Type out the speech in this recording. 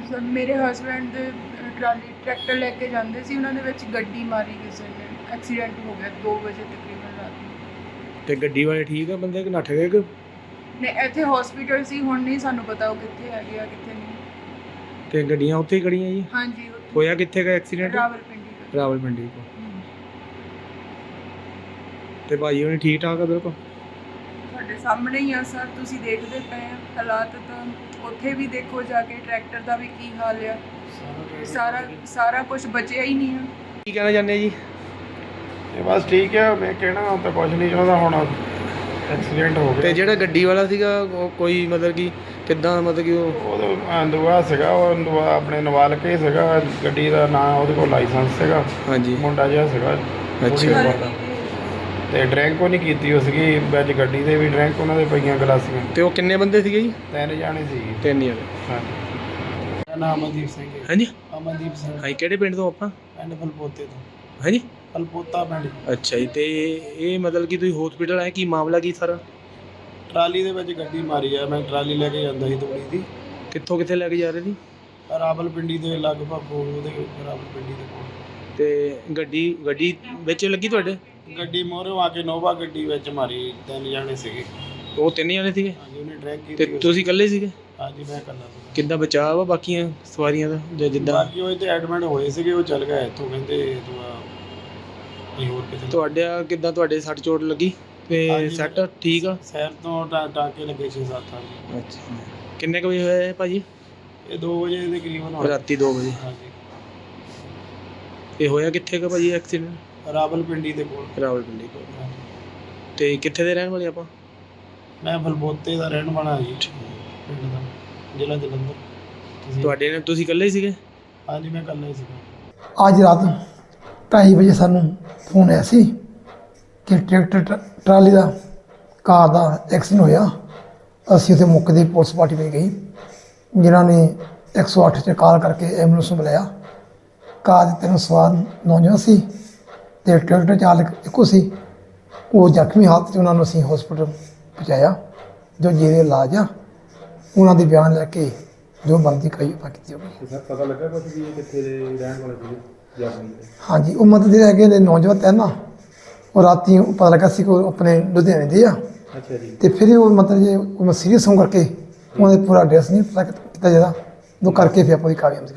Sir ਮੇਰੇ husband ਦੇ trolley tractor ਲੈ ਕੇ ਜਾਂਦੇ ਸੀ, ਉਹਨਾਂ ਦੇ ਵਿੱਚ ਗੱਡੀ ਮਾਰੀ ਕਿਸੇ ਨੇ, ਐਕਸੀਡੈਂਟ ਹੋ ਗਿਆ 2 ਵਜੇ ਤਕਰੀਬਨ ਰਾਤ ਨੂੰ। ਤੇ ਗੱਡੀ ਵਾਲੇ ਠੀਕ ਆ ਬੰਦੇ ਕਿ ਨੱਠ ਗਏ ਕਿ? ਨੇ ਇੱਥੇ ਹਸਪੀਟਲ ਸੀ, ਹੁਣ ਨਹੀਂ ਸਾਨੂੰ ਪਤਾ ਉਹ ਕਿੱਥੇ ਹੈਗੇ ਆ ਕਿੱਥੇ ਨਹੀਂ। ਤੇ ਗੱਡੀਆਂ ਉੱਥੇ ਹੀ ਖੜੀਆਂ ਜੀ? ਹਾਂਜੀ ਉੱਥੇ। ਹੋਇਆ ਕਿੱਥੇ ਦਾ ਐਕਸੀਡੈਂਟ? ਰਾਵਲਪਿੰਡੀ। ਰਾਵਲਪਿੰਡੀ ਕੋ। ਤੇ ਭਾਈ ਉਹਨੇ ਠੀਕ ਠਾਕ ਆ ਬਿਲਕੁਲ? ਤੁਹਾਡੇ ਸਾਹਮਣੇ ਹੀ ਆ ਸਰ, ਤੁਸੀਂ ਦੇਖਦੇ ਪਏ ਆ ਹਾਲਾਤ। ਤਾਂ ਉੱਥੇ ਵੀ ਦੇਖੋ ਜਾ ਕੇ ਟਰੈਕਟਰ ਦਾ ਵੀ ਕੀ ਹਾਲ ਆ, ਸਾਰਾ ਕੁਝ ਬਚਿਆ ਹੀ ਨਹੀਂ ਆ। ਕੀ ਕਹਿਣਾ ਚਾਹੁੰਦੇ ਜੀ? ਇਹ ਬਸ ਠੀਕ ਹੈ, ਮੈਂ ਕਹਿਣਾ ਹੁਣ ਤਾਂ ਕੁਝ ਨਹੀਂ ਚਾਹੁੰਦਾ, ਹੁਣ ਐਕਸੀਡੈਂਟ ਹੋ ਤੇ ਗਿਆ। ਜਿਹੜਾ ਗੱਡੀ ਵਾਲਾ ਸੀਗਾ ਉਹ ਕੋਈ ਮਤਲਬ ਕਿ ਕਿੱਦਾਂ, ਮਤਲਬ ਕਿ ਉਹ ਦੁਆ ਸੀਗਾ, ਉਹ ਦੁਆ ਆਪਣੇ ਨਵਾਲਕੇ ਹੀ ਸੀਗਾ, ਗੱਡੀ ਦਾ ਨਾਂ ਉਹਦੇ ਕੋਲ ਲਾਇਸੈਂਸ ਸੀਗਾ। ਹਾਂਜੀ। ਮੁੰਡਾ ਜਿਹਾ ਸੀਗਾ। ਅੱਛਾ। ਤੇ ਡਰਿੰਕ ਉਹ ਨਹੀਂ ਕੀਤੀ, ਉਹ ਸੀਗੀ ਵਿੱਚ ਗੱਡੀ ਦੇ ਵੀ ਡਰਿੰਕ ਉਹਨਾਂ ਦੇ ਪਈਆਂ ਗਲਾਸੀਆਂ। ਤੇ ਉਹ ਕਿੰਨੇ ਬੰਦੇ ਸੀਗੇ ਜੀ? 3 ਜਾਣੇ ਸੀ। 3 ਜਣੇ। ਹਾਂਜੀ। ਮੇਰਾ ਨਾਮ ਅਮਨਦੀਪ ਸਿੰਘ ਹੈ। ਹਾਂਜੀ। ਅਮਨਦੀਪ ਸਿੰਘ। ਹਾਂਜੀ, ਕਿਹੜੇ ਪਿੰਡ ਤੋਂ ਆਪਾਂ? ਪਿੰਡ ਫਲਪੋਤੇ ਤੋਂ। ਹਾਂਜੀ। ਫਲਪੋਤਾ ਪਿੰਡ। ਅੱਛਾ ਜੀ। ਤੇ ਇਹ ਮਤਲਬ ਕਿ ਤੁਸੀਂ ਹਸਪੀਟਲ ਆਏ, ਕੀ ਮਾਮਲਾ ਕੀ ਸਾਰਾ? ਟਰਾਲੀ ਦੇ ਵਿੱਚ ਗੱਡੀ ਮਾਰੀ ਆ, ਮੈਂ ਟਰਾਲੀ ਲੈ ਕੇ ਜਾਂਦਾ ਸੀ ਤੂੜੀ ਦੀ। ਕਿੱਥੇ ਲੈ ਕੇ ਜਾ ਰਹੇ ਸੀ? ਰਾਵਲਪਿੰਡੀ ਦੇ ਲਗਭਗ ਉਹਦੇ ਰਾਵਲਪਿੰਡੀ ਦੇ ਕੋਲ। ਤੇ ਗੱਡੀ ਵਿੱਚ ਲੱਗੀ ਤੁਹਾਡੇ? ਗੱਡੀ ਮੋਹਰੋਂ ਆ ਕੇ ਨੋਵਾ ਗੱਡੀ ਵਿੱਚ ਮਾਰੀ, 3 ਜਾਣੇ ਸੀਗੇ। ਉਹ 3 ਜਣੇ ਸੀਗੇ? ਹਾਂਜੀ, ਉਹਨੇ ਡਰੈਗ ਤੇ ਕੀਤੀ। ਤੁਸੀਂ ਇਕੱਲੇ ਸੀਗੇ? ਹਾਂਜੀ, ਮੈਂ ਇਕੱਲਾ ਸੀ। ਕਿੱਦਾਂ ਬਚਾਅ ਵਾ ਬਾਕੀਆਂ ਸਵਾਰੀਆਂ ਦਾ ਜਾਂ ਜਿੱਦਾਂ? ਬਾਕੀ ਉਹ ਇੱਥੇ ਐਡਮਿਟ ਹੋਏ ਸੀਗੇ, ਉਹ ਚੱਲ ਗਏ ਇੱਥੋਂ, ਕਹਿੰਦੇ ਤੂੰ ਅਸੀਂ ਹੋਰ ਕਿਤੇ। ਕਿੱਦਾਂ ਤੁਹਾਡੇ ਸੱਟ ਚੋਟ ਲੱਗੀ ਤੇ ਹਾਂਜੀ। ਸੱਟ ਠੀਕ ਆ? ਸ਼ਹਿਰ ਤੋਂ ਟਾਂਕੇ ਲੱਗੇ 6-7 ਹਾਂਜੀ। ਅੱਛਾ। ਕਿੰਨੇ ਕੁ ਵਜੇ ਹੋਇਆ ਇਹ ਭਾਜੀ? ਇਹ 2 ਵਜੇ ਦੇ ਕਰੀਬਨ ਹੋਇਆ। ਰਾਤੀ 2 ਵਜੇ। ਹਾਂਜੀ। ਇਹ ਹੋਇਆ ਕਿੱਥੇ ਕੁ ਭਾਜੀ ਐਕਸੀਡੈਂਟ? ਰਾਵਲਪਿੰਡੀ ਦੇ ਕੋਲ। ਰਾਵਲਪਿੰਡੀ ਕੋਲ। ਹਾਂਜੀ। ਤੇ ਕਿੱਥੇ ਦੇ ਰਹਿਣ ਵਾਲੇ ਆਪਾਂ? ਮੈਂ ਫਲਪੋਤੇ ਦਾ ਰਹਿਣ ਵਾਲਾ ਜੀ, ਪਿੰਡ ਦਾ, ਜ਼ਿਲ੍ਹਾ ਜਲੰਧਰ। ਤੁਸੀਂ ਇਕੱਲੇ ਸੀਗੇ? ਹਾਂਜੀ, ਮੈਂ ਇਕੱਲਾ ਹੀ ਸੀਗਾ। ਅੱਜ ਰਾਤ 2:30 ਵਜੇ ਸਾਨੂੰ ਫੋਨ ਆਇਆ ਸੀ ਕਿ ਟਰੈਕਟਰ ਟਰਾਲੀ ਦਾ ਕਾਰ ਦਾ ਐਕਸੀਡੈਂਟ ਹੋਇਆ। ਅਸੀਂ ਉੱਥੇ ਮੌਕੇ 'ਤੇ ਪੁਲਿਸ ਪਾਰਟੀ ਵਿੱਚ ਗਈ, ਜਿਨ੍ਹਾਂ ਨੇ 108 'ਤੇ ਕਾਲ ਕਰਕੇ ਐਂਬੂਲੈਂਸ ਨੂੰ ਬੁਲਾਇਆ। ਕਾਰ ਦੇ 3 ਸਵਾਰ ਨੌਜਵਾਨ ਸੀ ਅਤੇ ਟਰੈਕਟਰ ਚਾਲਕ ਇੱਕੋ ਸੀ। ਉਹ ਜ਼ਖਮੀ ਹਾਲਤ 'ਚ ਉਹਨਾਂ ਨੂੰ ਅਸੀਂ ਹਸਪੀਟਲ ਪਹੁੰਚਾਇਆ, ਜੋ ਜਿਹਦੇ ਇਲਾਜ ਆ। ਉਹਨਾਂ ਦੇ ਬਿਆਨ ਲੈ ਕੇ ਜੋ ਬਣਦੀ ਕਾਰਵਾਈ ਆਪਾਂ ਕੀਤੀ ਹੋਵੇ। ਸਰ, ਪਤਾ ਲੱਗਾ ਕੁਝ ਵੀ ਕਿੱਥੇ ਦੇ ਰਹਿਣ ਵਾਲੇ ਸੀਗੇ? ਹਾਂਜੀ, ਉਹ ਮਤਲਬ ਜਿਹੜੇ ਹੈਗੇ ਨੇ ਨੌਜਵਾਨ ਹੈ ਨਾ, ਉਹ ਰਾਤੀ ਪਤਾ ਲੱਗਾ ਸੀ ਕਿ ਉਹ ਆਪਣੇ ਲੁਧਿਆਣੇ ਦੇ ਆ। ਅੱਛਾ ਜੀ। ਤੇ ਫਿਰ ਉਹ ਮਤਲਬ ਜੇ ਉਹ ਸੀਰੀਅਸ ਹੋਣ ਕਰਕੇ ਉਹਨਾਂ ਦਾ ਪੂਰਾ ਐਡਰੈਸ ਨਹੀਂ ਪਤਾ ਕੀਤਾ ਜਾਂਦਾ, ਉਹ ਕਰਕੇ ਫਿਰ ਆਪਾਂ ਦੀ ਕਾਰਵਾਈ